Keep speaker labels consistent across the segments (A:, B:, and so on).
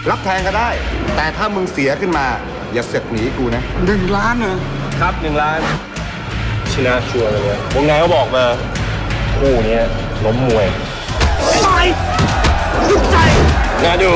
A: รับแทนก็ได้ แต่ถ้ามึงเสียขึ้นมาอย่าเสือกหนีกูนะ1 ล้านเหรอ
B: ครับ1 ล้านชนะชัวร์เลยเนี่ยวงในเขาบอกมาคู่นี้ล้มมวยไปสุดใจน่าดู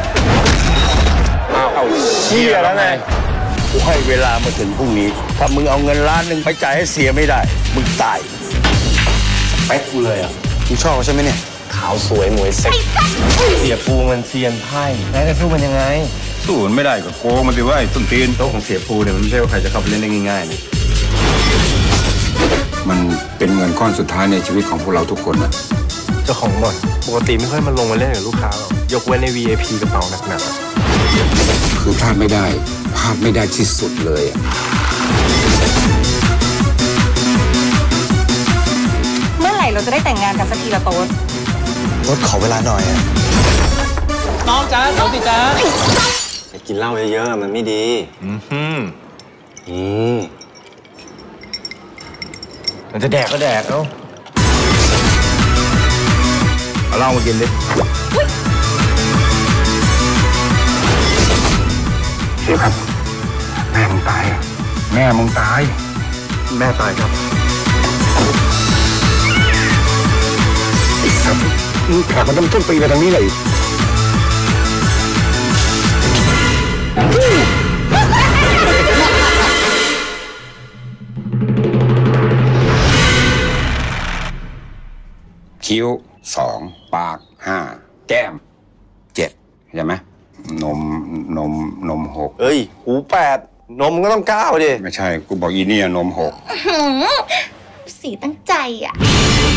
B: เอาเชี่ยแล้วไงกูให้เวลามาถึงพรุ่งนี้ถ้ามึงเอาเงิน1 ล้านไปจ่ายให้เสียไม่ได้มึงตายไปกูเลยอ่ะ
A: มึงชอบเขาใช่ไหมเนี่ย
B: ขาวสวยมวยเซ็กเสียปูมันเซียนไพ่แล้วจะสู้มันยังไง
A: สู้มันไม่ได้ก็โกงมันสิว่าไอ้ต้นตีนโต๊ะของเสียปูเนี่ยมันไม่ใช่ว่าใครจะเข้าไปเล่นได้ง่ายๆนะมันเป็นเงินก้อนสุดท้ายในชีวิตของพวกเราทุกคนนะ
B: เจ้าของบ่อนปกติไม่ค่อยมาลงมาเล่นกับลูกค้าหรอกยกเว้นใน VIP กระเป๋าหนัก
A: ๆคือพลาดไม่ได้ที่สุดเลย
C: เมื่อไหร่เราจะได้แต่งงานกันสักทีละโต๊ด
A: รถขอเวลาหน่อย
B: น้องจ้าน้องสิจ้า
D: จะกินเหล้าเยอะๆมันไม่ดี
B: มันจะแดกก็แดกเอาเหล้ามากินดิ
A: เสียครับแม่มึงตายแม่มึงตาย
B: แม่ตายครับ
A: ไอ้สัตว์มึงแขกมาต้นปีไปทางนี้เลยคิ้ว2 ปาก5 แก้ม7ใช่ไหมนม6
D: เฮ้ยหู8นมก็ต้อง9ดิ
A: ไม่ใช่กูบอกอีนี่นม6
C: สีตั้งใจอ่ะ